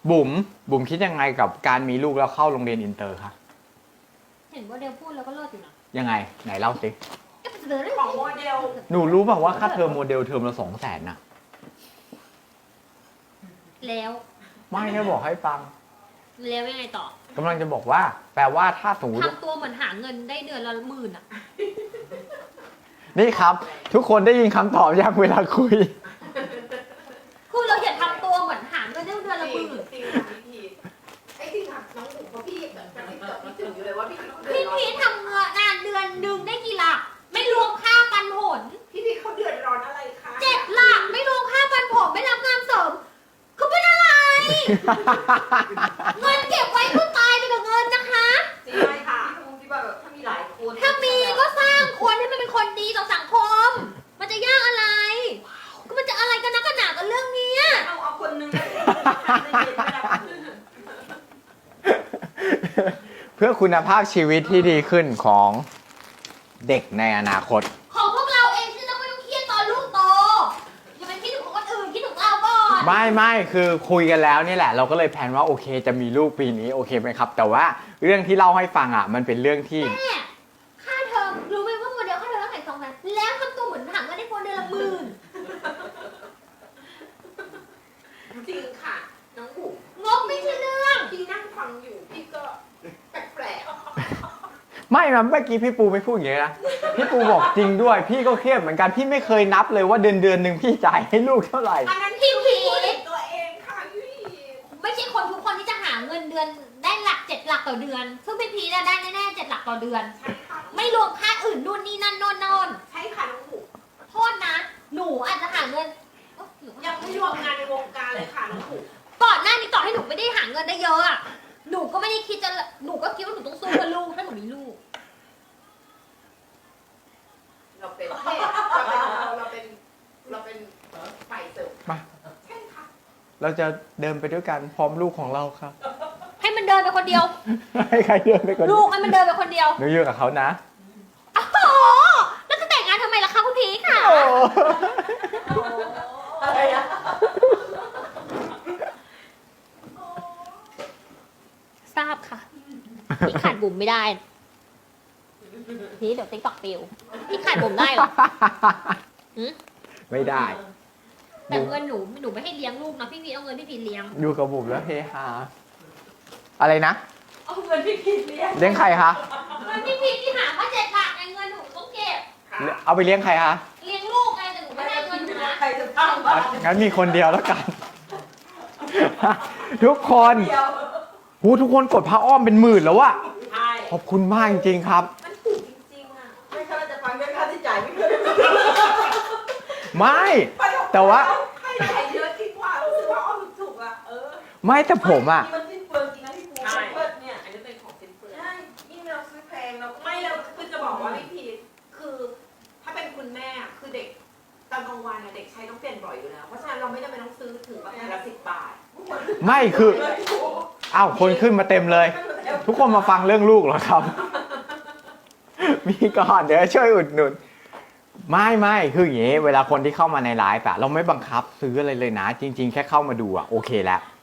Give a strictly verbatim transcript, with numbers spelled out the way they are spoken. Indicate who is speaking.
Speaker 1: บุ๋มบุ๋มคิดยังไงกับการมีลูกแล้วเข้าโรงเรียนอินเตอร์คะ
Speaker 2: เห็นว่าเดลพูดแล้วก็เลิศอยู่นะ
Speaker 1: ยังไงไหนเล่าสิ
Speaker 2: ของโมเดล
Speaker 1: หนูรู้ป่าวว่าค่าเทอมโมเดลเทอมละสองแสนนะ
Speaker 2: แล้ว
Speaker 1: ไม่ได้บอกให้ฟัง
Speaker 2: แล้วยังไงต่อ
Speaker 1: กำลังจะบอกว่า แปลว่าถ้าสมมติ
Speaker 2: ทำตัวเหมือนหาเงินได้เดือนละหมื่นอ่ะ
Speaker 1: นี่ครับทุกคนได้ยินคำตอบยังเวลาคุย
Speaker 2: คือเราอย่าทำตัวเหมือนหาเงินได้เดือนละหมื่น
Speaker 3: ไอ้ที่ทำน้องหนูเพราะพี่แบบพี่จดพี่ถึงอยู่เลยว่าพี่
Speaker 2: พี่พีทำงานเดือนหนึ่งได้กี่หลักไม่รวมค่าปันผล
Speaker 3: พี่พีเขาเดือดร้อนอะไรคะ
Speaker 2: เจ็ดหลักไม่รวมค่าปันผลไม่รับงานเสริมคือเป็นอะไรเงินเก็บไว้เพื่อตายไปกับเงินนะคะ
Speaker 3: จริงไหมคะที่ว่าแบบถ้ามีหลายคน
Speaker 2: ถ้ามีก็สร้างคนให้มันเป็นคนดีต่อสังคมมันจะยากอะไรก็มันจะอะไรกันนักกันหนากับเรื่องนี้
Speaker 3: เอาเอาคนนึง
Speaker 1: เพื่อคุณภาพชีวิตที่ดีขึ้นของเด็กในอนาคต
Speaker 2: ของพวกเราเองที่เราไม่ต้องเครียดตอนลูกโตอย่าไปคิดถึงคนอื่นคิดถึงเราก่อน
Speaker 1: ไม่ไม่คือคุยกันแล้วนี่แหละเราก็เลยแพลนว่าโอเคจะมีลูกปีนี้โอเคไหมครับแต่ว่าเรื่องที่เล่าให้ฟังอ่ะมันเป็นเรื่องที่
Speaker 2: แม่ค่าเทอมรู้ไหมว่าโมเดลค่าเทอมเท่าไหร่สองแสนแล้วทำตัวเหมือนถังก็ได้คนเดือนละหมื่น
Speaker 3: จริงค่ะน้องบุ๋ม
Speaker 2: งบไม่ใช่เรื่อง
Speaker 3: พี่นั่งฟังอยู่พี่ก็แปลก
Speaker 1: ๆไม่นะเมื่อกี้พี่ปูไม่พูดอย่างนี้นะพี่ปูบอกจริงด้วยพี่ก็เครียดเหมือนกันพี่ไม่เคยนับเลยว่าเดือนเดือนหนึ่งพี่จ่ายให้ลูกเท่าไหร่
Speaker 2: อันนั้นพี่พี
Speaker 3: ตัวเองค่ะพี่
Speaker 2: ไม่ใช่คนทุกคนที่จะหาเงินเดือนได้หลักเจ็ดหลักต่อเดือนซึ่งพี่พีได้แน่ๆเจ็ดหลักต่อเดือน
Speaker 3: ใช่ค่ะ
Speaker 2: ไม่รวมค่าอื่นนู่นนี่นั่นโน่นโน่น
Speaker 3: ใช่ค่ะน้องบุ๋ม
Speaker 2: โทษนะหนูอาจจะหาเงิน
Speaker 3: ยังไม่รวมงานในวงการเลยค่ะน้องบุ๋ม
Speaker 2: ก่อนหน้านี้ต่อให้หนูไม่ได้หาเงินได้เยอะอะหนูก็ไม่ได้คิดจะหนูก็คิดว่าหนูต้องสู้เพื่อลูกถ้าหนูมีลูก
Speaker 3: เราเป็นเราเป็นเราเป็นเราเป็นฝ่ายเสริม
Speaker 1: มา
Speaker 3: ใช่ค่ะ
Speaker 1: เราจะเดินไปด้วยกันพร้อมลูกของเราครับ
Speaker 2: ให้มันเดินไปคนเดียว
Speaker 1: ให้ใครเดินไปคนเดียว
Speaker 2: ลูกให้มันเดินไปคนเดียว
Speaker 1: หนูอยู่กับเขานะ
Speaker 2: อ๋อแล้วจะแต่งงานทำไมล่ะคะคุณพีค่ะ
Speaker 3: อะไรอะ
Speaker 2: ทราบค่ะพี่ขาดบุ๋มไม่ได้พี่เดี๋ยวติ๊กต็อกปิวพี่ขาดบุ๋มได้หรอ
Speaker 1: ไม่ได้
Speaker 2: แต่เงินหนูหนูไม่ให้เลี้ยงลูกนะพี่พีเอาเงินพี่พีเลี้ยง
Speaker 1: อยู่กับบุ๋มแล้วเฮฮาอะไรนะ
Speaker 3: เอาเงินพี่พีเลี้ยง
Speaker 1: เลี้ยงใครคะ
Speaker 2: เงินพี่พีที่หาว่าเจ็ดหลักไงเงินหนูต้องเก็บ
Speaker 1: เอาไปเลี้ยงใครคะ
Speaker 2: เลี้ยงลูกไงแต่หนูไม่ได้เงินหนูนะ
Speaker 3: ใครจะทำ
Speaker 1: งั้นมีคนเดียวแล้วกันทุกคนหูทุกคนกดผ้าอ้อมเป็นหมื่นแล้วอะขอบคุณมากจริงๆครับ
Speaker 3: มันถูกจริงๆอะไม่ค่าจะฟังไม่ค่าที่จ่ายไม่เคย
Speaker 1: ไม่แต่ว่า
Speaker 3: ให้จ่ายเยอะจริงว่ารู้สึกว่าอ้อมถูกอะเออ
Speaker 1: ไม่แต่ผมอะ
Speaker 3: มันสิ้นเปลืองจริงนะพี่ปูใช่เนี่ยอันนี้เป็นของสิ้นเปลืองใช่ยิ่งเราซื้อแพงเราไม่เราคือจะบอกว่าพี่พีคือถ้าเป็นคุณแม่คือเด็กตอนกลางวันเด็กใช้ต้องเปลี่ยนบ่อยอยู่แล้วเพราะฉะนั้นเราไม่จำเป็นต้องซื้อถึงแบบละสิบบาท
Speaker 1: ไม่คืออ้าวคนขึ้นมาเต็มเลยทุกคนมาฟังเรื่องลูกเหรอครับมีก่อนเดี๋ยวช่วยอุดหนุนไม่ไม่คืออย่างนี้เวลาคนที่เข้ามาในไลฟ์อะเราไม่บังคับซื้ออะไรเลยนะจริงๆแค่เข้ามาดูอะโอเคแล้ว